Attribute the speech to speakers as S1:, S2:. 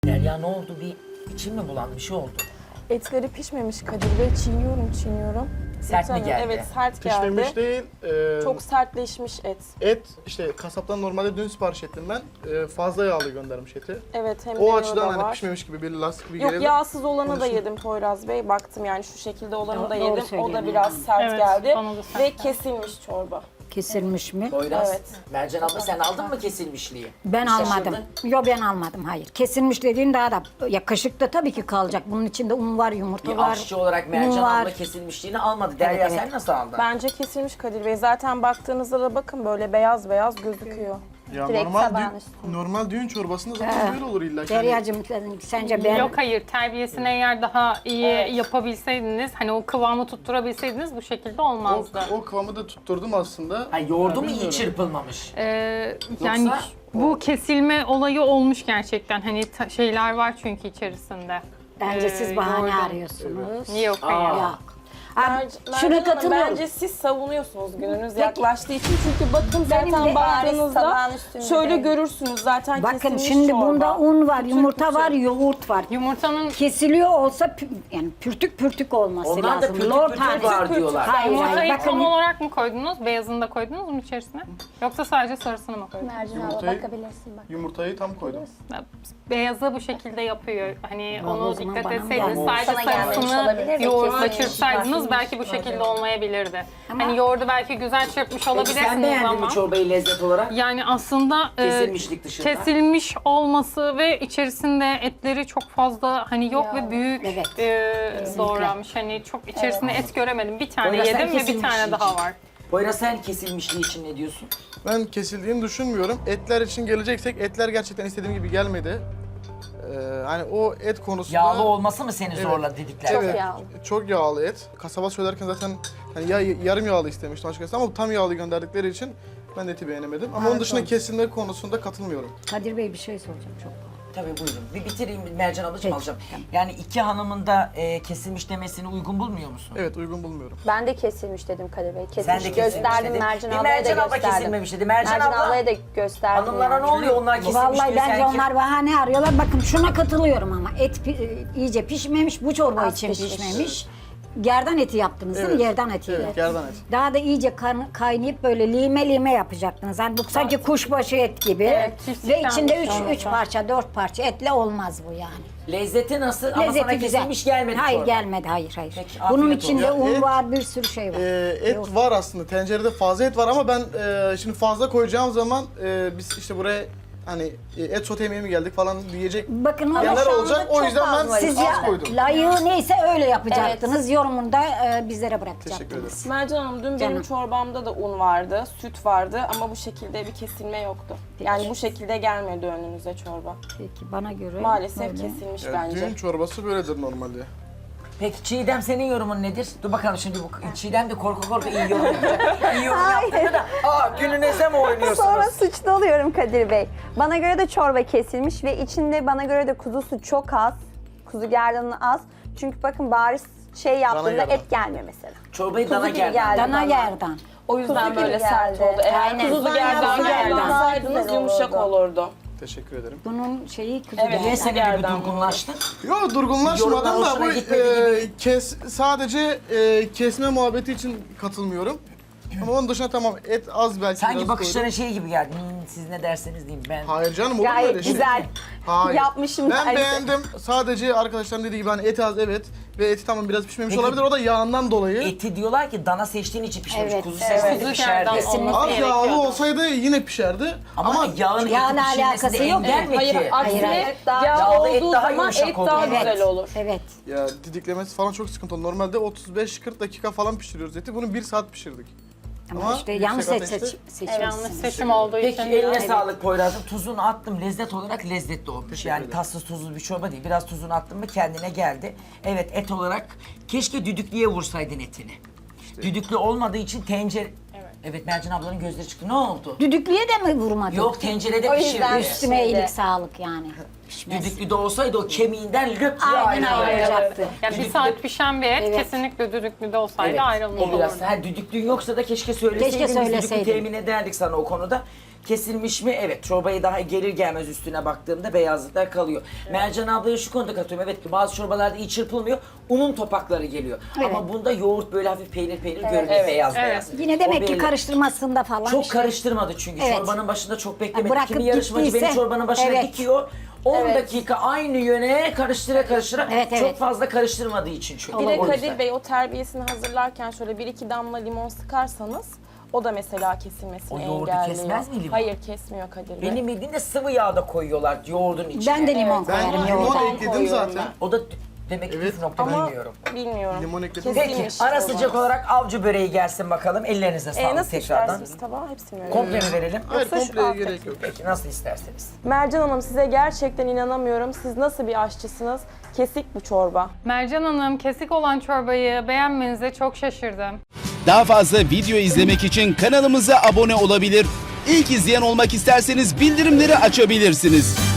S1: Derya ne oldu? İçin mi bulandı? Bir şey oldu.
S2: Etleri pişmemiş Kadir Bey. Çiğniyorum.
S1: Sert mi geldi?
S2: Evet, sert geldi.
S3: Pişmemiş değil.
S2: Çok sertleşmiş et.
S3: Et işte kasaptan normalde dün sipariş ettim ben. Fazla yağlı göndermiş eti.
S2: Evet, hem de
S3: O
S2: yağı
S3: açıdan
S2: da
S3: hani
S2: var.
S3: pişmemiş gibi bir lastik gibi
S2: Yok,
S3: geliyor.
S2: yağsız olanı da
S3: Konuşun.
S2: yedim Poyraz Bey. Baktım yani şu şekilde olanı da
S4: Doğru
S2: yedim. O da
S4: söylüyorsun
S2: biraz
S4: yani.
S2: sert
S5: Evet,
S2: geldi.
S5: bana da sert
S2: Ve
S5: geldi.
S2: kesilmiş çorba.
S4: Kesilmiş mi?
S1: Poyraz,
S2: Evet.
S1: Mercan abla sen aldın mı kesilmişliği?
S4: Ben
S1: Şaşırdın.
S4: almadım. Yok ben almadım, hayır. Kesilmiş dediğin daha da, ya kaşıkta tabii ki kalacak. Bunun içinde un var, yumurta
S1: Bir
S4: var.
S1: aşçı olarak
S4: un
S1: Mercan
S4: var.
S1: abla kesilmişliğini almadı. Derya
S4: Evet,
S1: sen
S4: evet.
S1: nasıl aldın?
S2: Bence kesilmiş Kadir Bey. Zaten baktığınızda da bakın böyle beyaz beyaz gözüküyor.
S3: Ya
S6: Direkt
S3: normal
S6: tabağın
S3: normal düğün çorbasında zaten böyle olur illa ki. Hani
S4: Deryacığım sence ben...
S5: Yok hayır, terbiyesini eğer daha iyi yapabilseydiniz, hani o kıvamı tutturabilseydiniz bu şekilde olmazdı.
S3: o kıvamı da tutturdum aslında.
S1: Ha, yoğurdu mu iyi
S3: bilmiyorum.
S1: çırpılmamış?
S5: Yani
S1: Yoksa-
S5: bu kesilme olayı olmuş gerçekten. Hani şeyler var çünkü içerisinde.
S4: Bence siz bahane
S5: yoğurdun.
S4: arıyorsunuz.
S5: Yok hayır.
S4: Yok. Abi,
S2: Mercan
S4: şuna
S2: Hanım,
S4: katılıyorum.
S2: bence siz savunuyorsunuz gününüz yaklaştığı için. Çünkü bakın
S6: Benim
S2: zaten
S6: de bariz
S2: baktığınızda
S6: tabağın üstünde
S2: şöyle
S6: değil.
S2: görürsünüz zaten
S4: Bakın
S2: kesilmiş
S4: şimdi
S2: çorba.
S4: bunda un var,
S2: Pütür
S4: yumurta
S2: pütür.
S4: var, yoğurt var.
S5: Yumurtanın
S4: Kesiliyor olsa yani pürtük pürtük olması
S1: Onlar
S4: lazım.
S1: da pütür
S4: Lor
S1: pütür
S4: tanesi.
S1: var diyorlar.
S4: Hayır,
S5: yumurtayı
S4: hayır.
S5: tam
S4: Bakın
S5: olarak mı koydunuz? Beyazını da koydunuz mu içerisine? Yoksa sadece sarısını mı koydunuz?
S6: Mercan abla
S3: Yumurtayı-
S6: bakabilirsin bak.
S3: Yumurtayı tam koydum.
S5: Beyazı bu şekilde yapıyor. Hani
S4: Vallahi o
S5: onu
S4: zaman
S5: dikkat
S4: bana mı
S5: etseydiniz,
S4: geldi?
S5: sadece
S6: Sana gelmemiş
S5: sarısını
S6: olabilir de
S5: yoğurtla
S6: kesilmiş.
S5: çırpsaydınız belki bu şekilde olmayabilirdi.
S4: Ama-
S5: Hani yoğurdu belki güzel çırpmış
S1: Peki sen
S5: olabilirsiniz
S1: beğendin
S5: ama.
S1: mi çorbayı lezzet olarak?
S5: Yani aslında
S1: Kesilmişlik dışında.
S5: kesilmiş olması ve içerisinde etleri çok fazla hani yok ve büyük
S4: Evet,
S5: doğranmış. Hani çok içerisinde et göremedim. Bir tane
S1: Poyraz, sen
S5: yedim ve bir
S1: kesilmişliği
S5: tane daha
S1: için-
S5: var.
S1: Poyraz sen kesilmişliği için ne diyorsun?
S3: Ben kesildiğini düşünmüyorum. Etler için geleceksek etler gerçekten istediğim gibi gelmedi. Hani o et konusunda...
S1: Yağlı olması mı seni
S3: Evet.
S1: zorladı dedikler?
S3: Evet,
S6: yağlı.
S3: çok yağlı et. Kasaba söylerken zaten hani ya yarım yağlı istemiştim açıkçası ama tam yağlı gönderdikleri için ben de eti beğenemedim. Ama onun dışında kesilme konusunda katılmıyorum.
S4: Kadir Bey bir şey soracağım çok.
S1: Tabii buyurun. Bir bitireyim Mercan ablacığım
S4: Peki,
S1: alacağım.
S4: tamam.
S1: Yani iki hanımın da kesilmiş demesini uygun bulmuyor musun?
S3: Evet, uygun bulmuyorum.
S6: Ben de kesilmiş dedim Kadir Bey.
S1: Sen
S6: Kesilmiş
S1: de kesilmiş
S6: gösterdim
S1: dedin.
S6: Mercan
S1: Bir
S6: ablaya da
S1: Mercan abla
S6: gösterdim.
S1: kesilmemiş dedi. Mercan abla-
S6: ablaya da gösterdim.
S1: Hanımlara
S6: yani.
S1: ne oluyor onlar kesilmiş
S4: Vallahi
S1: diyor,
S4: bence
S1: sen kim-
S4: onlar bahane arıyorlar. Bakın şuna katılıyorum ama et iyice pişmemiş, bu çorba
S6: Az
S4: için
S6: pişmiş.
S4: pişmemiş. Gerdan eti yaptınız değil mi?
S3: Evet.
S4: Gerdan etiyle.
S3: Evet, gerdan et.
S4: Daha da iyice kaynayıp böyle lime lime yapacaktınız. Yani bu sanki kuşbaşı et gibi.
S5: Evet,
S4: Ve
S5: çiftlikten
S4: içinde
S5: bir
S4: 3 parça, 4 parça etle olmaz bu yani.
S1: Lezzeti nasıl? Ama
S4: Lezzeti
S1: sana
S4: güzel.
S1: kesilmiş gelmedi
S4: Hayır
S1: çorba.
S4: gelmedi, hayır.
S1: Peki,
S4: Bunun
S1: afiyet
S4: içinde
S3: olsun.
S4: un
S3: Et-
S4: var, bir sürü şey var.
S3: Et
S4: Yok.
S3: var aslında. Tencerede fazla et var ama ben şimdi fazla koyacağım zaman biz işte buraya hani et sote yemeğe mi geldik falan diyecek
S4: Bakın ama
S3: yerler
S4: şu anda
S3: olacak. O
S6: çok
S3: yüzden ben
S6: fazla
S4: siz
S3: az koydum.
S4: layığı neyse öyle yapacaktınız. Yorumunu da bizlere bırakacaktınız.
S3: Teşekkür ederim.
S2: Mercan Hanım, dün benim
S4: Canım.
S2: çorbamda da un vardı, süt vardı ama bu şekilde bir kesilme yoktu. Yani bu şekilde gelmedi önünüze çorba.
S4: Peki bana göre
S2: Maalesef
S4: böyle.
S2: kesilmiş
S3: Yani
S2: bence.
S3: düğün çorbası böyledir normalde.
S1: Peki Çiğdem senin yorumun nedir? Dur bakalım şimdi bu Çiğdem de korku korku iyi yorum yapacak. İyi yorum yaptığında da gününüze mi oynuyorsunuz?
S6: Sonra suçlu oluyorum Kadir Bey. Bana göre de çorba kesilmiş ve içinde bana göre de kuzusu çok az. Kuzu gerdanı az. Çünkü bakın bariz şey yaptığında
S3: gerdan.
S6: et gelmiyor mesela.
S1: Çorbayı
S6: Kuzu
S1: dana
S6: gibi
S1: geldi.
S6: geldi.
S4: Dana
S6: bana.
S4: gerdan.
S2: O yüzden
S6: Kuzu
S2: böyle
S6: gibi
S2: sert
S6: geldi.
S2: oldu. Eğer
S6: Aynen.
S2: kuzu
S6: Kuzu
S2: gerdan
S6: gerdan
S2: kullansaydınız
S6: güzel
S2: yumuşak
S6: olurdu.
S2: olurdu.
S3: Teşekkür ederim.
S4: Bunun şeyi kuzu
S2: Evet.
S1: Niye
S4: gerdan.
S1: sen bir
S2: Gerdan.
S1: durgunlaştın?
S3: Yo
S1: Yorumlar
S3: durgunlaşmadım da
S1: hoşuna
S3: bu
S1: gitmedi gibi.
S3: sadece kesme muhabbeti için katılmıyorum. Ama onun dışında tamam et az belki
S1: Sanki
S3: biraz
S1: bakışların
S3: koydum.
S1: şey gibi geldi. Siz ne derseniz diyeyim ben.
S3: Hayır canım olur mu
S6: Gayet
S3: öyle şey?
S6: güzel.
S3: Hayır.
S6: Yapmışım
S3: Ben
S6: dersi.
S3: beğendim. Sadece arkadaşlarım dediği gibi hani et az evet ve eti tamam biraz pişmemiş
S1: Peki.
S3: olabilir. O da yağından dolayı.
S1: Eti diyorlar ki dana seçtiğin için pişmemiş.
S4: Evet,
S1: Kuzu
S4: evet.
S1: seçtiğinde
S5: Kuzu
S1: pişerdi.
S5: gerdan
S4: Kesinlikle.
S5: olması
S3: Az yağlı
S5: gerekiyordu.
S3: olsaydı yine pişerdi.
S1: Ama yağın
S4: Yağla
S1: eti pişirmesinde
S4: alakası yok.
S1: engel mi
S2: Hayır,
S1: ki?
S2: aksine
S4: hayır.
S2: yağ
S1: Yağlı et
S2: olduğu
S1: daha
S2: zaman
S1: yumuşak
S2: et
S1: olur.
S2: daha
S1: Evet.
S2: güzel olur.
S4: Evet.
S3: Ya didiklemesi falan çok sıkıntı oldu. Normalde 35-40 dakika falan pişiriyoruz eti. Bunu 1 saat pişirdik.
S4: Ama işte
S3: yüksek
S4: yanlış
S3: ateşte-
S4: seçmişsiniz.
S5: Yanlış seçim olduğu
S1: Peki
S5: için.
S1: eline
S5: biraz-
S1: sağlık Poyraz'ım. Tuzunu attım. Lezzet olarak lezzetli olmuş. Yani
S3: ederim.
S1: tatsız tuzsuz bir çorba değil. Biraz tuzunu attım mı kendine geldi. Evet et olarak keşke düdüklüye vursaydın etini. Düdüklü olmadığı için tencere... Evet Mercan ablanın gözleri çıktı. Ne oldu?
S4: Düdüklüye de mi vurmadın?
S1: Yok tencerede
S6: O
S1: pişirdi.
S6: yüzden-
S4: Üstüme iyilik sağlık yani. pişmez.
S1: Düdüklü de olsaydı o kemiğinden löp diye
S4: Aynen
S1: ayrılır.
S4: ayrılacaktı.
S5: Yani bir saat pişen bir et
S4: Evet.
S5: kesinlikle düdüklüde olsaydı
S1: Evet,
S5: ayrılmış
S1: o biraz.
S5: olurdu.
S1: Ha, düdüklüğün yoksa da keşke söyleseydin.
S4: Keşke
S1: Biz düdüklü
S4: söyleseydin.
S1: temin ederdik sana o konuda. Kesilmiş mi? Evet. Çorbayı daha gelir gelmez üstüne baktığımda beyazlıklar kalıyor. Mercan ablaya şu konuda katıyorum. Evet ki bazı çorbalarda iyi çırpılmıyor. Unun topakları geliyor. Ama bunda yoğurt böyle hafif peynir görünüyor. Beyaz
S2: Evet.
S1: beyaz.
S4: Yine demek
S1: O
S4: ki
S1: belli.
S4: karıştırmasında falan.
S1: Çok
S4: işte.
S1: karıştırmadı çünkü.
S4: Evet.
S1: Çorbanın başında çok beklemedi.
S4: Bırakıp
S1: Kimi yarışmacı
S4: gittiyse,
S1: beni çorbanın başına
S4: evet.
S1: dikiyor. 10 dakika aynı yöne karıştıra
S4: Evet,
S1: çok
S4: evet.
S1: fazla karıştırmadığı için çünkü.
S2: Bir de
S1: O yüzden.
S2: Kadir Bey o terbiyesini hazırlarken şöyle 1-2 damla limon sıkarsanız o da mesela kesilmesini
S1: O yoğurdu
S2: engelliyor.
S1: kesmez mi limon?
S2: Hayır kesmiyor Kadir Bey.
S1: Benim bildiğimde sıvı yağda koyuyorlar yoğurdun içine.
S4: Ben de limon
S2: Evet,
S3: Ben
S4: koyarım
S3: limon
S4: yoğurda.
S3: ekledim
S2: koyuyorum
S3: zaten.
S1: O da demek ki
S3: Evet.
S1: püf nokta
S2: Ama
S1: bilmiyorum.
S2: bilmiyorum.
S3: Limon ekledim.
S1: Peki
S2: Kesilmiş
S1: ara
S2: çorbanız.
S1: sıcak olarak avcı böreği gelsin bakalım. Ellerinize sağlık
S2: Nasıl
S1: tekrardan.
S2: istersiniz tabağı? Hepsini mi?
S1: Komple mi verelim?
S3: Hayır
S2: Yoksa şu
S3: kompleye
S2: alttaki-
S3: gerek yok.
S1: Peki nasıl isterseniz.
S2: Mercan Hanım size gerçekten inanamıyorum. Siz nasıl bir aşçısınız? Kesik bu çorba.
S5: Mercan Hanım kesik olan çorbayı beğenmenize çok şaşırdım.
S7: Daha fazla video izlemek için kanalımıza abone olabilir. İlk izleyen olmak isterseniz bildirimleri açabilirsiniz.